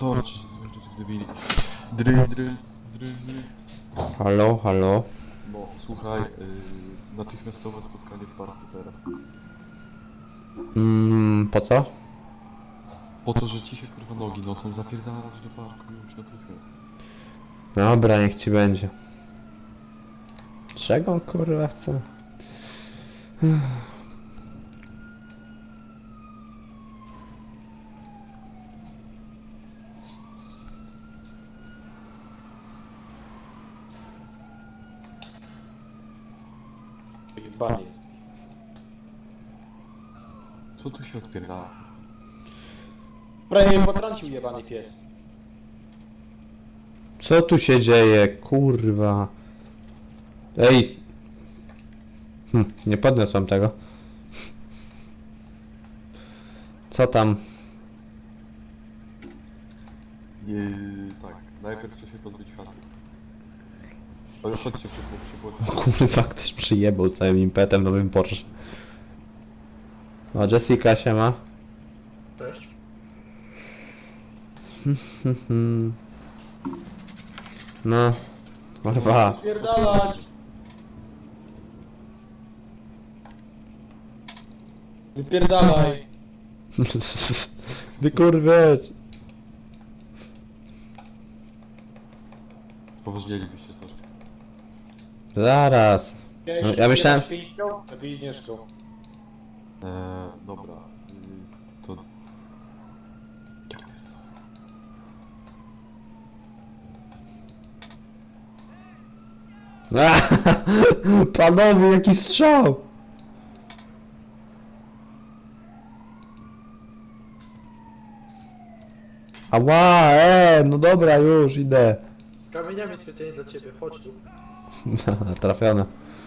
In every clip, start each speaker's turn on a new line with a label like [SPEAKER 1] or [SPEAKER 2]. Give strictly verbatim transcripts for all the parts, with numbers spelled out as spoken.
[SPEAKER 1] Dobra, czy się zmęczyć tych debili. Dry, dry, dry, dry.
[SPEAKER 2] Halo, halo.
[SPEAKER 1] No, słuchaj, yy, natychmiastowe spotkanie w parku teraz.
[SPEAKER 2] Mm, po co?
[SPEAKER 1] Po to, że ci się kurwa nogi nosą, zapierdalać do parku już natychmiast.
[SPEAKER 2] Dobra, niech ci będzie. Czego on kurwa chce?
[SPEAKER 3] Jebany jest.
[SPEAKER 1] Co tu się odpierdala?
[SPEAKER 3] Prawie mnie potrącił jebany pies.
[SPEAKER 2] Co tu się dzieje, kurwa? Ej! Hm, nie podniosłem tego. Co tam?
[SPEAKER 1] Yy, tak, najpierw trzeba się pozbyć światła. Ale chodźcie przy przy
[SPEAKER 2] Kurwa, ktoś przyjebał z całym impetem nowym Porsche. O, Jessica się ma.
[SPEAKER 3] Cześć.
[SPEAKER 2] No. Kurwa.
[SPEAKER 3] Pierdalać! Wypierdalaj!
[SPEAKER 2] Wykurwiać.
[SPEAKER 1] Poważnielibyście troszkę.
[SPEAKER 2] Zaraz. No, ja myślałem-
[SPEAKER 3] Święcią? Lepiej Agnieszką.
[SPEAKER 1] Eee, dobra. Yy, to...
[SPEAKER 2] Panowie, jaki strzał! Ała, e, no dobra, już idę.
[SPEAKER 4] Z kamieniami specjalnie dla ciebie, chodź tu.
[SPEAKER 2] Trafione.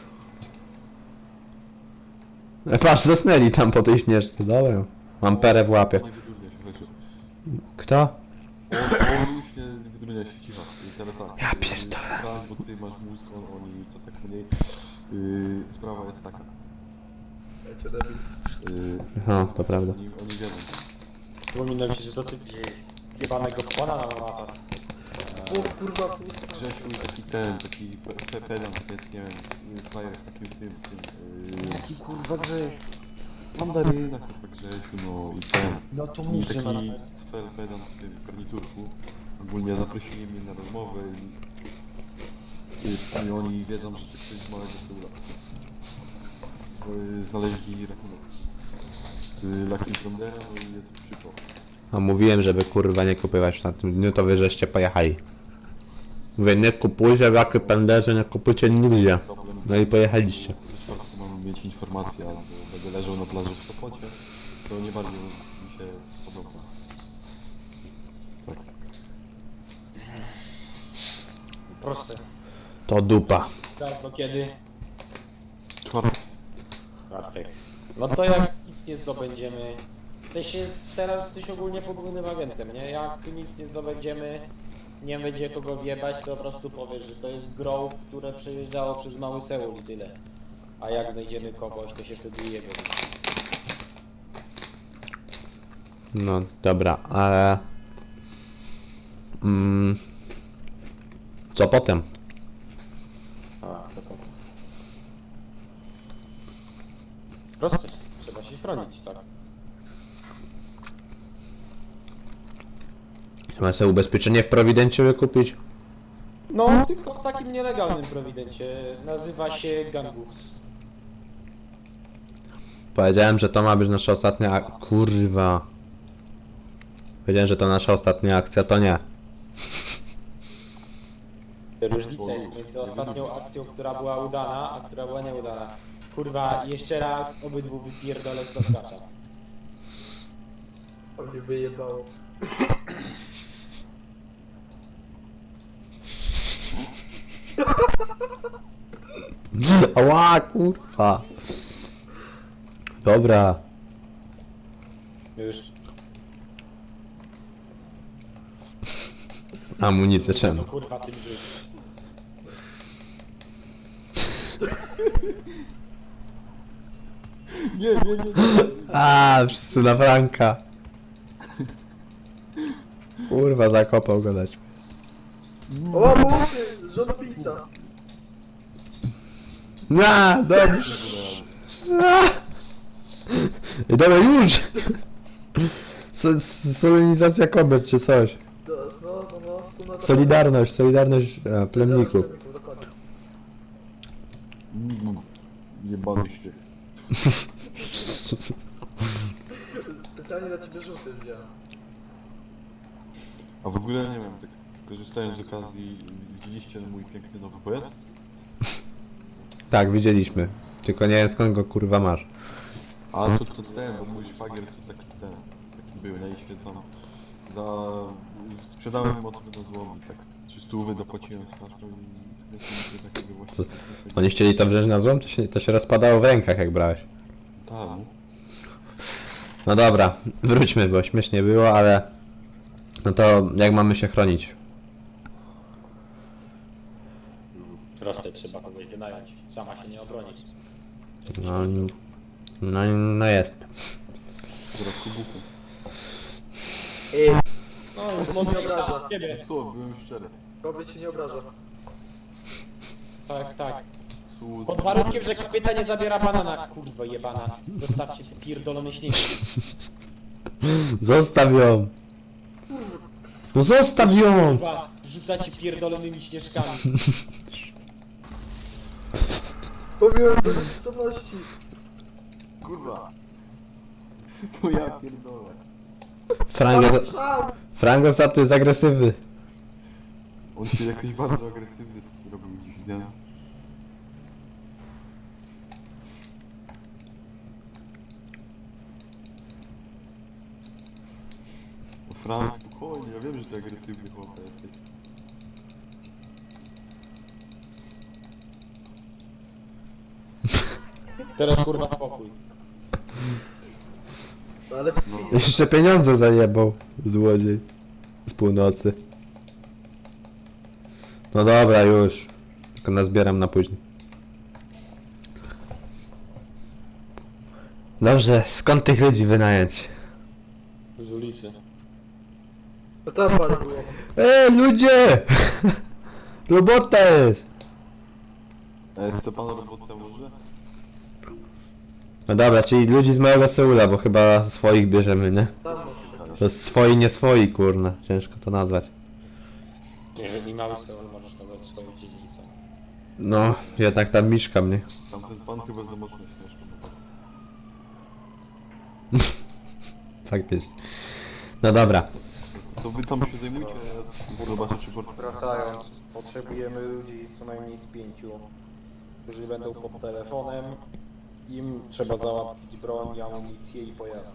[SPEAKER 2] E, patrz, zasnęli tam po tej śnieżce, dobra. Mam perę w łapie.
[SPEAKER 1] Nie wydurnia się, chodźcie.
[SPEAKER 2] Kto?
[SPEAKER 1] On, on już nie wydurnia się, cicho. I teraz tak.
[SPEAKER 2] Ja
[SPEAKER 1] yy,
[SPEAKER 2] pierdolę.
[SPEAKER 1] Frank, bo ty masz mózg, on, oni to tak mniej. Yy, sprawa jest taka.
[SPEAKER 4] Ja cię debil.
[SPEAKER 1] Yy,
[SPEAKER 2] Aha, to prawda.
[SPEAKER 1] oni, oni wiedzą.
[SPEAKER 3] Przypomina mi się, że to ty wziąłeś jebanego pana na mapas.
[SPEAKER 4] O kurwa, pusta.
[SPEAKER 1] Grzesiu taki ten, taki pe- pe- pedant, nie wiem, frajer w takim tym, tym, yy,
[SPEAKER 3] Jaki kurwa Grześ.
[SPEAKER 1] mandaryna, chyba Grzesiu, no i ten.
[SPEAKER 3] No to
[SPEAKER 1] I
[SPEAKER 3] mów,
[SPEAKER 1] taki
[SPEAKER 3] że na
[SPEAKER 1] cfel pedant w tym garniturku. Ogólnie zaprosili mnie na rozmowę i, i, i oni wiedzą, że to ktoś z małego Seula. Yy, Znaleźli rachunek z Lucky Frondera, no i jest przypał.
[SPEAKER 2] A mówiłem, żeby kurwa nie kupować na tym dniu, to wy żeście pojechali. Mówię, nie kupujcie w jakie penderze, nie kupujcie nigdzie. No i pojechaliście.
[SPEAKER 1] W czwartku mamy mieć informację, albo będę leżał na plaży w Sopocie, co nie bardzo mi się podoba. Tak.
[SPEAKER 3] Proste.
[SPEAKER 2] To dupa.
[SPEAKER 3] Teraz do kiedy?
[SPEAKER 1] Czwartek.
[SPEAKER 3] Czwartek. No to jak nic nie zdobędziemy... Ty się teraz jesteś ogólnie podwójnym agentem, nie? Jak nic nie zdobędziemy, nie będzie kogo wjebać, to po prostu powiesz, że to jest Grove, które przejeżdżało przez Mały Seul i tyle. A jak znajdziemy kogoś, to się wtedy jebie.
[SPEAKER 2] No dobra, ale... Mm, co potem?
[SPEAKER 3] A, co potem? Proste. Trzeba się chronić, tak?
[SPEAKER 2] Trzeba sobie ubezpieczenie w Prowidencie wykupić?
[SPEAKER 3] No, tylko w takim nielegalnym prowidencie. Nazywa się Gangus.
[SPEAKER 2] Powiedziałem, że to ma być nasza ostatnia ak- kurwa. Powiedziałem, że to nasza ostatnia akcja, to nie.
[SPEAKER 3] Różnica jest między ostatnią akcją, która była udana, a która była nieudana. Kurwa, jeszcze raz obydwu wypierdolę z plaskacza.
[SPEAKER 4] To mnie wyjebało.
[SPEAKER 2] Ała, kurwa. Dobra.
[SPEAKER 3] Już.
[SPEAKER 2] Amunicję czemu?
[SPEAKER 3] No kurwa, tym żyć.
[SPEAKER 1] Nie, nie, nie, nie.
[SPEAKER 2] A, wszyscy na Franka. Kurwa, zakopał go dać.
[SPEAKER 4] O, łapusy! Żonobijca!
[SPEAKER 2] Na, dobrze. I dobra, już! So, s- solenizacja kobiet czy coś.
[SPEAKER 4] Do, no, no, no, wspólnota...
[SPEAKER 2] Solidarność, solidarność a, plemników.
[SPEAKER 4] Dokładnie.
[SPEAKER 1] Mm, Jebany śnieg.
[SPEAKER 4] Specjalnie dla ciebie żółty wziąłem.
[SPEAKER 1] A w ogóle nie wiem, tak korzystając z okazji, widzieliście mój piękny nowy pojazd?
[SPEAKER 2] Tak, widzieliśmy. Tylko nie wiem skąd go kurwa masz.
[SPEAKER 1] A to, to ten, bo mój szwagier to taki ten, taki był, nie? I się tam za... sprzedałem motor na złom i tak trzysta dopłaciłem straszną i skręciliśmy takiego właśnie...
[SPEAKER 2] Oni chcieli to wziąć na złom, to się, to się rozpadało w rękach jak brałeś.
[SPEAKER 1] Tak,
[SPEAKER 2] No dobra, wróćmy, bo śmiesznie było, ale... No to jak mamy się chronić?
[SPEAKER 3] Proste, trzeba kogoś wynająć. Sama się nie obronić.
[SPEAKER 2] No, no, no jest.
[SPEAKER 1] która kubuchu.
[SPEAKER 4] Ej,
[SPEAKER 3] No, jest
[SPEAKER 4] To się nie
[SPEAKER 3] mądrzejsza
[SPEAKER 4] obraża.
[SPEAKER 3] od ciebie.
[SPEAKER 1] Co, byłem szczery.
[SPEAKER 4] kobiet się nie obraża.
[SPEAKER 3] Tak, tak.
[SPEAKER 1] Su-
[SPEAKER 3] Pod warunkiem, że kobieta nie zabiera banana. Kurwa jebana. Zostawcie te pierdolone śniegi.
[SPEAKER 2] Zostaw ją! No zostaw ją!
[SPEAKER 3] Kurwa, rzucacie pierdolonymi śnieżkami.
[SPEAKER 4] Mówiłem do nieprzytomności.
[SPEAKER 1] Kurwa. To ja pierdolę.
[SPEAKER 2] Frank,
[SPEAKER 4] Ale strzał!
[SPEAKER 2] Frank ostatnio jest agresywny.
[SPEAKER 1] On się jakoś bardzo agresywny zrobił dziś, nie? No Frank, spokojnie, ja wiem, że ty agresywny chłop jesteś.
[SPEAKER 3] Teraz kurwa spokój.
[SPEAKER 4] No ale
[SPEAKER 1] No.
[SPEAKER 2] Jeszcze pieniądze zajebał, złodziej. Z północy. No dobra, już. Tylko nazbieram na później. Dobrze, skąd tych ludzi wynająć?
[SPEAKER 3] Z ulicy.
[SPEAKER 4] to tam parę było.
[SPEAKER 2] Ej, ludzie! Robota jest!
[SPEAKER 1] E, co pan robotę może?
[SPEAKER 2] No dobra, czyli ludzi z małego Seula, bo chyba swoich bierzemy, nie?
[SPEAKER 4] Tam masz.
[SPEAKER 2] To jest swoi, nie swoi, kurna. Ciężko to nazwać.
[SPEAKER 3] Jeżeli mały Seul możesz nazwać swoją dzielnicą.
[SPEAKER 2] No, jednak tam mieszkam, nie?
[SPEAKER 1] Tamten pan chyba za mocno śmieszny.
[SPEAKER 2] Faktycznie. No dobra.
[SPEAKER 1] To wy tam się zajmujcie, a ja zobaczę czy port...
[SPEAKER 3] Wracając, potrzebujemy ludzi co najmniej z pięciu, którzy będą pod telefonem. Im trzeba załatwić broń, amunicję i pojazdy.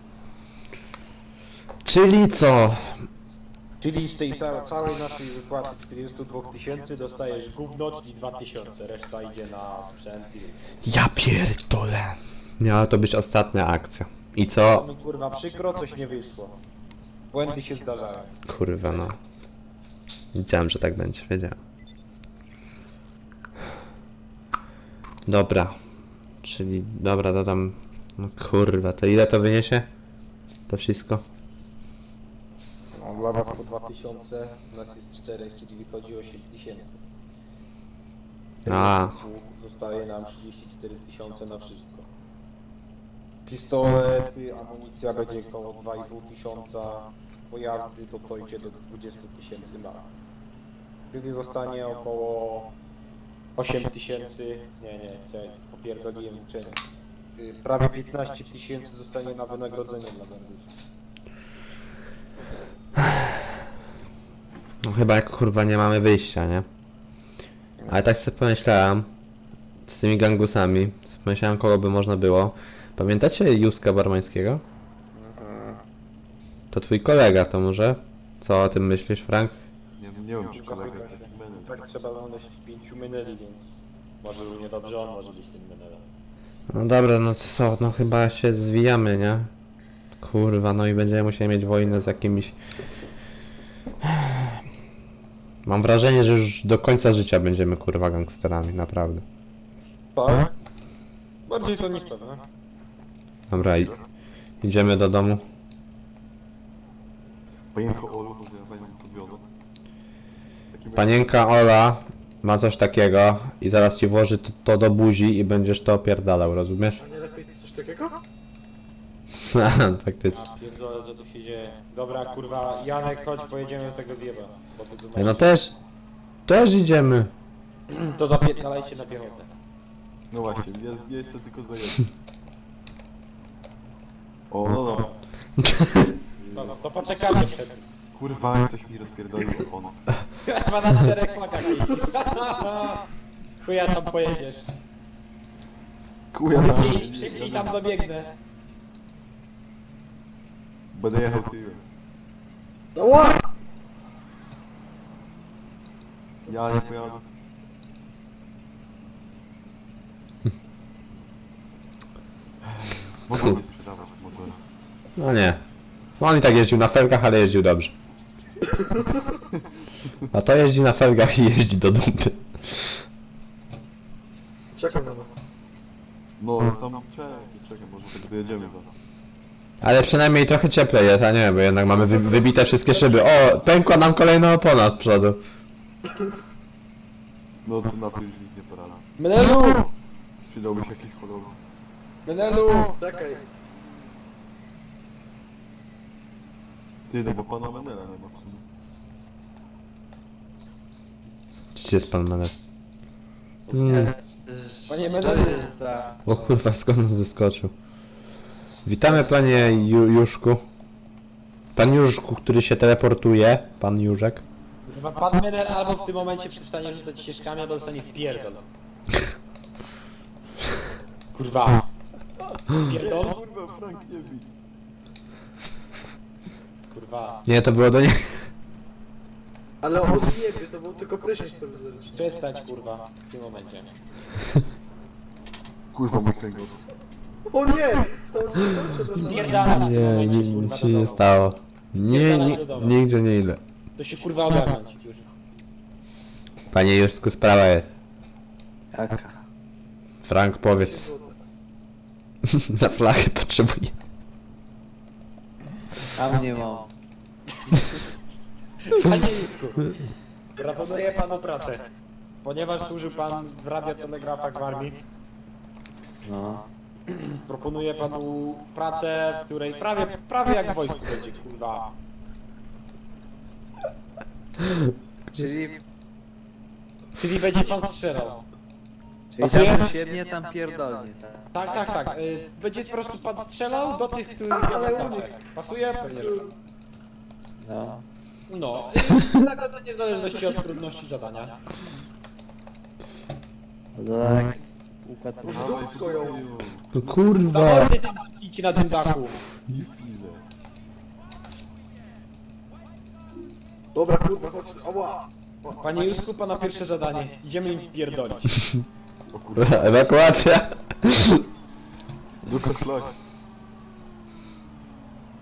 [SPEAKER 2] Czyli co?
[SPEAKER 3] Czyli z tej ta, całej naszej wypłaty czterdzieści dwa tysięcy dostajesz gówno, czyli dwa tysiące, reszta idzie na sprzęt i...
[SPEAKER 2] Ja pierdolę. Miała to być ostatnia akcja. I co?
[SPEAKER 3] Mi kurwa przykro, coś nie wyszło. Błędy się zdarzają.
[SPEAKER 2] Kurwa no. Wiedziałem, że tak będzie, wiedziałem. Dobra. Czyli, dobra, dodam... No kurwa, to ile to wyniesie? To wszystko?
[SPEAKER 3] No, dla was po dwa tysiące, u nas jest cztery, czyli wychodzi osiem tysięcy.
[SPEAKER 2] A.
[SPEAKER 3] Zostaje nam trzydzieści cztery tysiące na wszystko. Pistolety, amunicja będzie około dwa i pół tysiąca, pojazdy to dojdzie do dwadzieścia tysięcy max. Czyli zostanie około osiem tysięcy, nie, nie, chciałem, popierdoliłem liczenie. Y, Prawie piętnaście tysięcy zostanie na wynagrodzenie dla Gangusa.
[SPEAKER 2] No chyba jak kurwa nie mamy wyjścia, nie? Ale tak sobie pomyślałem z tymi gangusami, pomyślałem kogo by można było. Pamiętacie Józka Barmańskiego? To twój kolega to może? Co o tym myślisz, Frank?
[SPEAKER 1] Nie, nie wiem czy kolega taki menel.
[SPEAKER 3] Tak trzeba znaleźć pięciu meneli, więc może równie dobrze on może być tym menelem.
[SPEAKER 2] No dobra, no co, no chyba się zwijamy, nie? Kurwa, no i będziemy musieli mieć wojnę z jakimiś... Mam wrażenie, że już do końca życia będziemy kurwa gangsterami, naprawdę.
[SPEAKER 3] Tak? Bardziej to niż pewne.
[SPEAKER 2] Dobra, i... idziemy do domu.
[SPEAKER 1] Panienko Olu, może ja panią podwiodę. Taki
[SPEAKER 2] Panienka Ola ma coś takiego i zaraz ci włoży to, to do buzi i będziesz to opierdalał, rozumiesz?
[SPEAKER 4] A nie lepiej coś takiego?
[SPEAKER 2] Faktycznie.
[SPEAKER 3] A pierdolę, co tu się dzieje. Dobra, kurwa, Janek, chodź, pojedziemy tego zjeba. Bo ty tu masz...
[SPEAKER 2] No też, też idziemy.
[SPEAKER 3] To zapierdalajcie na piechotę.
[SPEAKER 1] No właśnie, jest miejsce tylko do jednego. O, no dobra.
[SPEAKER 3] Dobra, to poczekajcie przed tym.
[SPEAKER 1] Kurwa, ktoś mi rozpierdolił opon.
[SPEAKER 3] Chyba na czterech flagach jeździsz. Chuja tam pojedziesz.
[SPEAKER 1] Kuja tam.
[SPEAKER 3] Szybciej, szybciej tam dobiegnę.
[SPEAKER 1] Będę jechał tyłem.
[SPEAKER 4] No ła!
[SPEAKER 1] Ja nie pojadę. Mogą mnie sprzedawać motory.
[SPEAKER 2] No nie. No on i tak jeździł na felgach, ale jeździł dobrze. A to jeździ na felgach i jeździ do dupy.
[SPEAKER 4] Czekam na was.
[SPEAKER 1] No tam czekaj, czekaj, może tak dojedziemy za.
[SPEAKER 2] Ale przynajmniej trochę cieplej jest, a nie, bo jednak mamy wy, wybite wszystkie szyby. O, pękła nam kolejna opona z przodu.
[SPEAKER 1] No to na to już nic nie porada.
[SPEAKER 3] Menelu!
[SPEAKER 1] Przydałby się jakiś choroby.
[SPEAKER 3] Menelu!
[SPEAKER 4] Czekaj.
[SPEAKER 1] Ty, no bo pana Menela nie ma w sumie.
[SPEAKER 2] Gdzie jest pan Manet? Hmm.
[SPEAKER 3] Panie Menelu!
[SPEAKER 2] O kurwa, skąd on zeskoczył? Witamy panie Ju Juszku. Pan Juszku, który się teleportuje. Pan Jurzek.
[SPEAKER 3] Kurwa, pan Menel albo w tym momencie przestanie rzucać ścieżkami, albo dostanie w pierdol. Kurwa. Pierdol?
[SPEAKER 1] Kurwa, Frank nie bij.
[SPEAKER 3] Kurwa.
[SPEAKER 2] Nie, to było do niej.
[SPEAKER 4] Ale on nie wie, to był tylko prysznic prowizoryczny.
[SPEAKER 3] Przestać, kurwa, w tym momencie.
[SPEAKER 1] Kurwa, mój kręgosłup.
[SPEAKER 4] O nie! Stało ci się coś? Przepraszam.
[SPEAKER 3] Pierdalać w tym
[SPEAKER 2] Nie,
[SPEAKER 3] momencie,
[SPEAKER 2] nic
[SPEAKER 3] kurwa,
[SPEAKER 2] się
[SPEAKER 3] do
[SPEAKER 2] nie
[SPEAKER 3] domu.
[SPEAKER 2] stało. Nie, nie, nigdzie nie idę.
[SPEAKER 3] To się kurwa ogarnąć już.
[SPEAKER 2] Panie Juszku, sprawa jest.
[SPEAKER 5] Jaka?
[SPEAKER 2] Frank, powiedz. Na flachę potrzebuję.
[SPEAKER 5] Tam nie mam.
[SPEAKER 3] Panie Jusku, proponuję panu pracę. Ponieważ służył pan w radiotelegrafach w armii,
[SPEAKER 5] No.
[SPEAKER 3] proponuję panu pracę, w której prawie, prawie jak w wojsku będzie, kurwa.
[SPEAKER 5] Czyli,
[SPEAKER 3] Czyli będzie pan strzelał.
[SPEAKER 5] czyli
[SPEAKER 3] Pasuje?
[SPEAKER 5] tam się mnie tam pierdolnie, tak?
[SPEAKER 3] Tak, tak, tak. y, Będzie po prostu pan strzelał do tych, których nie
[SPEAKER 4] Ale
[SPEAKER 3] wystarczy. Pasuje? Pewnie, że tak.
[SPEAKER 5] No.
[SPEAKER 3] No, y, nagrodzenie w zależności od trudności zadania.
[SPEAKER 5] No to tak. Układ
[SPEAKER 4] W dupsko ją.
[SPEAKER 2] No
[SPEAKER 3] Za
[SPEAKER 2] kurwa.
[SPEAKER 3] mordy tam idźcie na tym dachu.
[SPEAKER 1] I w pizę.
[SPEAKER 4] Dobra, kurwa, chodź. Ała!
[SPEAKER 3] Panie Jusku, pana pierwsze zadanie. Idziemy im wpierdolić.
[SPEAKER 1] O kurwa,
[SPEAKER 2] Ewakuacja.
[SPEAKER 1] do szlak.